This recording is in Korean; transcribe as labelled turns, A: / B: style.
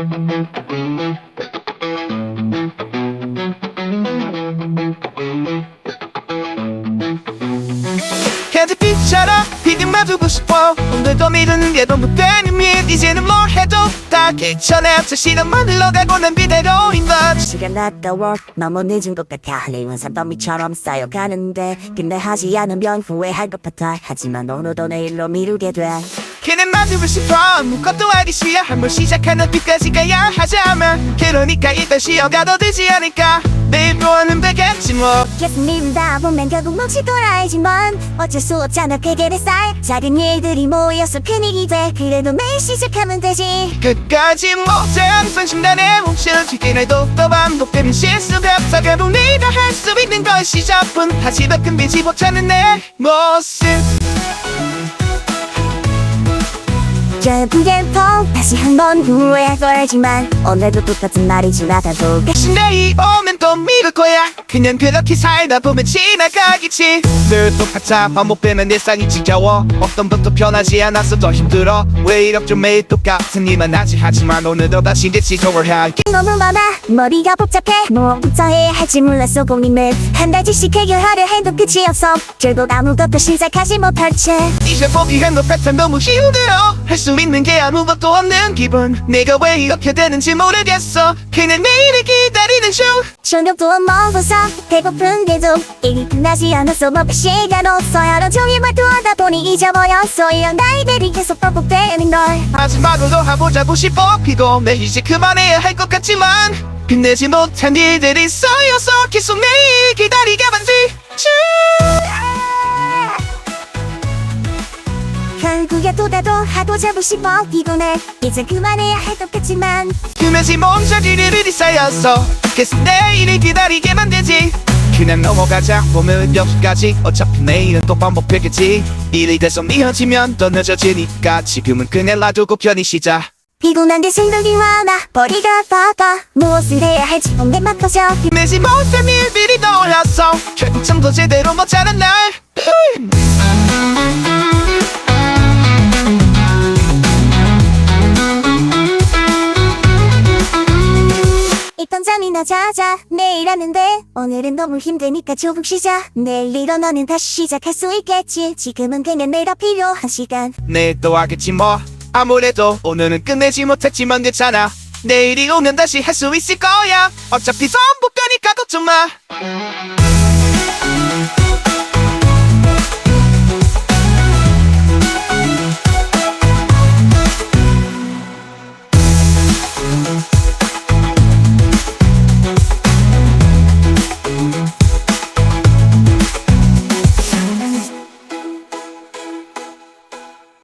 A: 핸드빛처럼 비듬만 두고 싶어. 오늘도 미루는 게 너무 되는 일. 이제는 뭘 해도 다 괜찮아. 저 시간만 흘러가고 난 비대로인 것.
B: 시간 아까워 너무 늦은 것 같아. 할일은 산더미처럼 쌓여가는데 근데 하지 않으면 후회할 것 같아. 하지만 오늘도 내일로 미루게 돼.
A: 걔는 마주고 싶어. 아무것도 알기 싫어. 한번 시작하는 빛까지 가야 하자면 그러니까 일단 쉬어가도 되지 않을까. 내일 또 하는 되겠지 뭐.
B: 계속 미루다 보면 결국 몫이 돌아야지만 어쩔 수 없잖아. 베개를 쌓여 작은 일들이 모여서 큰 일이 돼. 그래도 매일 시작하면 되지.
A: 끝까지 못해 항상 심란해 뭉치는 튀기날도 또 반복되는 실수가 없어. 결국 네가 할 수 있는 것이 저뿐. 하지만 끝내지 못하는 내 모습.
B: 결국엔 또 다시 한번 후회할 거지만 오늘도 똑같은 날이 지나가도
A: 다시 내일 오면 또 미룰 거야. 그냥 그렇게 살다 보면 지나가겠지. 늘 똑같아 반복되는 일상이 지겨워. 어떤 것도 변하지 않아서 더 힘들어. 왜 이렇게 매일 똑같은 일만 하지. 하지만 오늘도 다시 내 지겨워해.
B: 너무 많아 머리가 복잡해. 뭐부터 해야 할지 몰랐어. 고민을 한 달씩 해결하려 해도 끝이 없어. 결국 아무것도 시작하지 못할 채
A: 이제 포기한 것 같아. 너무 힘들어. 할 수 있는 게 아무것도 없는 기분. 내가 왜 이렇게 되는지 모르겠어. 그냥 내일을 기다리는 중.
B: 저녁도 먹어서 배고픈데도 일이 끝나지 않았어. 뭐 시간 없어. 하루 종일 말투하다 보니 잊어버렸어. 이런 날들이 계속 반복되는 걸.
A: 하지만 오늘도 해보자고 싶어. 피곤해 이제 그만해야 할 것 같지만 끝내지 못한 일들이 쌓여서 계속 내일 기다리게 만들 중.
B: 결국에 또 나도 하고 자고 싶어. 피곤해 이제 그만해야 할 것 같지만
A: 끝내지 못한 일들이 쌓여서 계속 내일을 기다리게 만들지. 그냥 넘어가자 보면 여기까지. 어차피 내일은 또 반복되겠지. 일이 돼서 미어지면 더 늦어지니까 지금은 그냥 놔두고 편히 쉬자.
B: 피곤한데 생각이 많아. 머리가 아파. 무엇을 해야 할지 몸에 막혀져.
A: 끝내지 못한 일들이 떠올라서 결국 잠도 제대로 못 자는 날.
B: 일단 잠이나 자자. 내일 하는데 오늘은 너무 힘드니까 조금 쉬자. 내일 일어나면 다시 시작할 수 있겠지. 지금은 그냥 내가 필요한 시간.
A: 내일 또 하겠지 뭐. 아무래도 오늘은 끝내지 못했지만 괜찮아. 내일이 오면 다시 할 수 있을 거야. 어차피 반복되니까 걱정 마.